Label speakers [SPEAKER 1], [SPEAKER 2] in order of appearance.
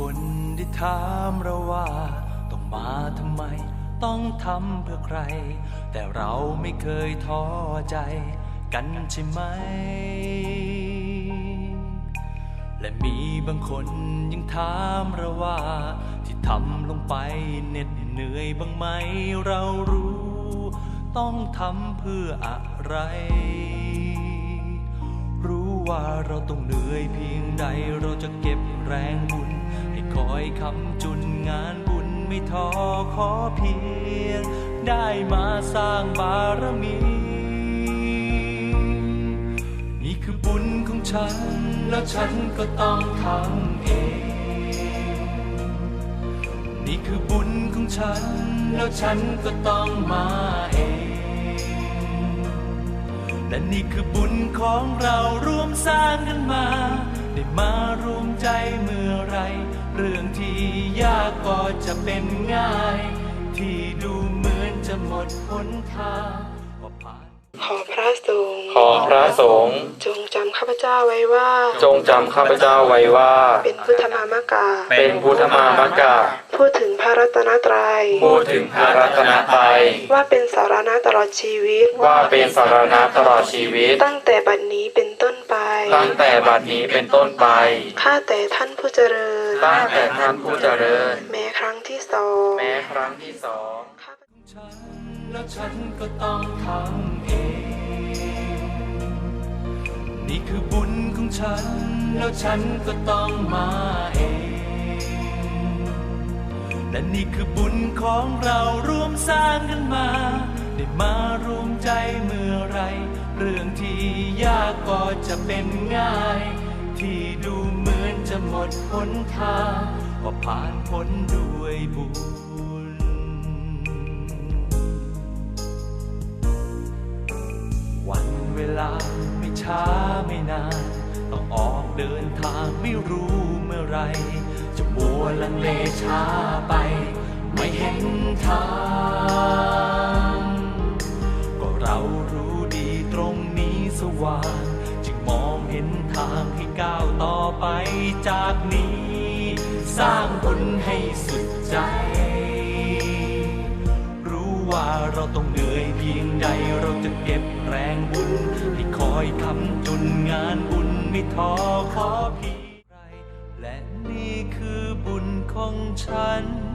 [SPEAKER 1] คนที่ถามเราว่าต้องมาทำไมต้องทำเพื่อใครแต่เราไม่เคยท้อใจกันใช่ไหมและมีบางคนยังถามเราว่าที่ทำลงไปเหน็ดเหนื่อยบ้างไหมเรารู้ต้องทำเพื่ออะไรรู้ว่าเราต้องเหนื่อยเพียงใดเราจะเก็บแรงบุญให้คอยคำจุนงานบุญไม่ท้อขอเพียงได้มาสร้างบารมีนี่คือบุญของฉันแล้วฉันก็ต้องทำเองนี่คือบุญของฉันแล้วฉันก็ต้องมาเองและนี่คือบุญของเราร่วมสร้างกันมาได้มารวมใจเมื่อไรเรื่องที่ยากก็จะเป็นง่ายที่ดูเหมือนจะหมดหนทาง
[SPEAKER 2] ขอพระสงฆ์จงจำข้าพเจ้าไว้ว่าเป็นพุทธมามกะพูดถึงพระรัตนตรัยว่าเป็นสารณะตลอดชีวิตตั้งแต่บัดนี้เป็นต้นไปข้าแต่ท่านผู้เจริญแม้ครั้งที่สอง
[SPEAKER 1] แล้วฉันก็ต้องทำเองนี่คือบุญของฉันแล้วฉันก็ต้องมาเองและนี่คือบุญของเราร่วมสร้างกันมาได้มารวมใจเมื่อไรเรื่องที่ยากก็จะเป็นง่ายที่ดูเหมือนจะหมดหนทางก็ผ่านพ้นด้วยบุญวันเวลาไม่ช้าไม่นานต้องออกเดินทางไม่รู้เมื่อไรจะมัวลังเลช้าไปไม่เห็นทางก็เรารู้ดีตรงนี้สว่างจึงมองเห็นทางให้ก้าวต่อไปจากนี้สร้างบุญให้สุดใจว่าเราต้องเหนื่อยเพียงใดเราจะเก็บแรงบุญให้คอยคำจุนงานบุญไม่ท้อขอเพียงไรและนี่คือบุญของฉัน